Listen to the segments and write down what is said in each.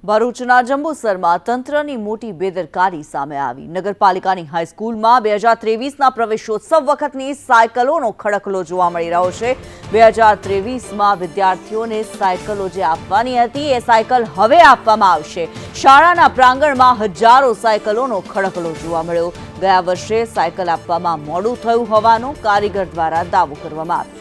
ભરૂચના જંબુસરમાં તંત્રની મોટી બેદરકારી સામે આવી। નગરપાલિકાની હાઈસ્કૂલમાં 2023ના પ્રવેશોત્સવ વખતની સાયકલોનો ખડકલો જોવા મળી રહ્યો છે। 2023માં વિદ્યાર્થીઓને સાયકલો જે આપવાની હતી એ સાયકલ હવે આપવામાં આવશે। શાળાના પ્રાંગણમાં હજારો સાયકલોનો ખડકલો જોવા મળ્યો। ગયા વર્ષે સાયકલ આપવામાં મોડું થયું હોવાનો કારીગર દ્વારા દાવો કરવામાં આવ્યો।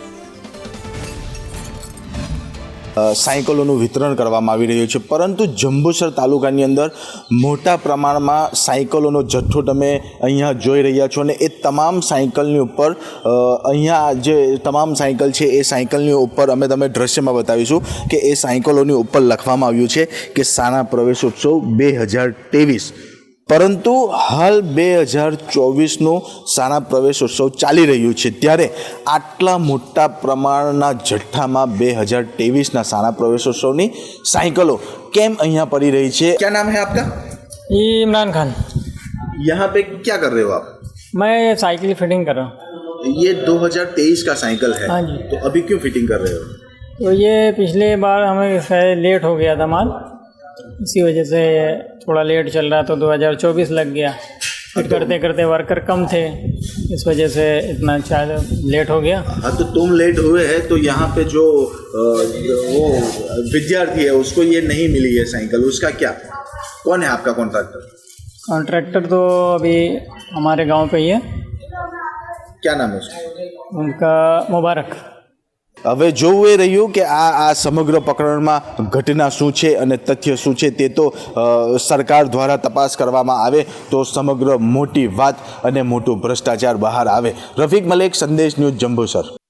સાયકલોનું વિતરણ કરવામાં આવી રહ્યું છે, પરંતુ જંબુસર તાલુકાની અંદર મોટા પ્રમાણમાં સાયકલોનો જથ્થો તમે અહીંયા જોઈ રહ્યા છો અને એ તમામ સાયકલની ઉપર અહીંયા જે તમામ સાયકલ છે એ સાયકલની ઉપર અમે તમે દ્રશ્યમાં બતાવીશું કે એ સાયકલોની ઉપર લખવામાં આવ્યું છે કે શાળા પ્રવેશોત્સવ 2023, પરંતુ હાલ 2024નું શાળા પ્રવેશોત્સવ ચાલી રહ્યું છે, ત્યારે આટલા મોટા પ્રમાણના જથ્થામાં 2023ના શાળા પ્રવેશોત્સવની સાયકલો કેમ અહીંયા પડી રહી છે? क्या नाम है आपका? ये इमरान खान। यहाँ पे क्या कर रहे हो आप? मैं साइकिल फिटिंग कर रहा हूँ। ये 2023 का साइकिल है। हाँ जी। तो अभी क्यों फिटिंग कर रहे हो? तो ये पिछले बार हमें शायद लेट हो गया था माल, इसी वजह से थोड़ा लेट चल रहा, तो 2024 लग गया। फिर करते करते वर्कर कम थे, इस वजह से इतना शायद लेट हो गया। हाँ, तो तुम लेट हुए हैं तो यहाँ पे जो वो विद्यार्थी है उसको ये नहीं मिली है साइकिल, उसका क्या? कौन है आपका कॉन्ट्रैक्टर? कॉन्ट्रैक्टर तो अभी हमारे गांव पे ही है। क्या नाम है उसका? उनका मुबारक। હવે જોવું એ રહ્યું કે આ સમગ્ર પ્રકરણમાં ઘટના શું છે અને તથ્ય શું છે તે તો સરકાર દ્વારા તપાસ કરવામાં આવે તો સમગ્ર મોટી વાત અને મોટું ભ્રષ્ટાચાર બહાર આવે। રફીક મલેક, સંદેશ ન્યૂઝ, જંબુસર।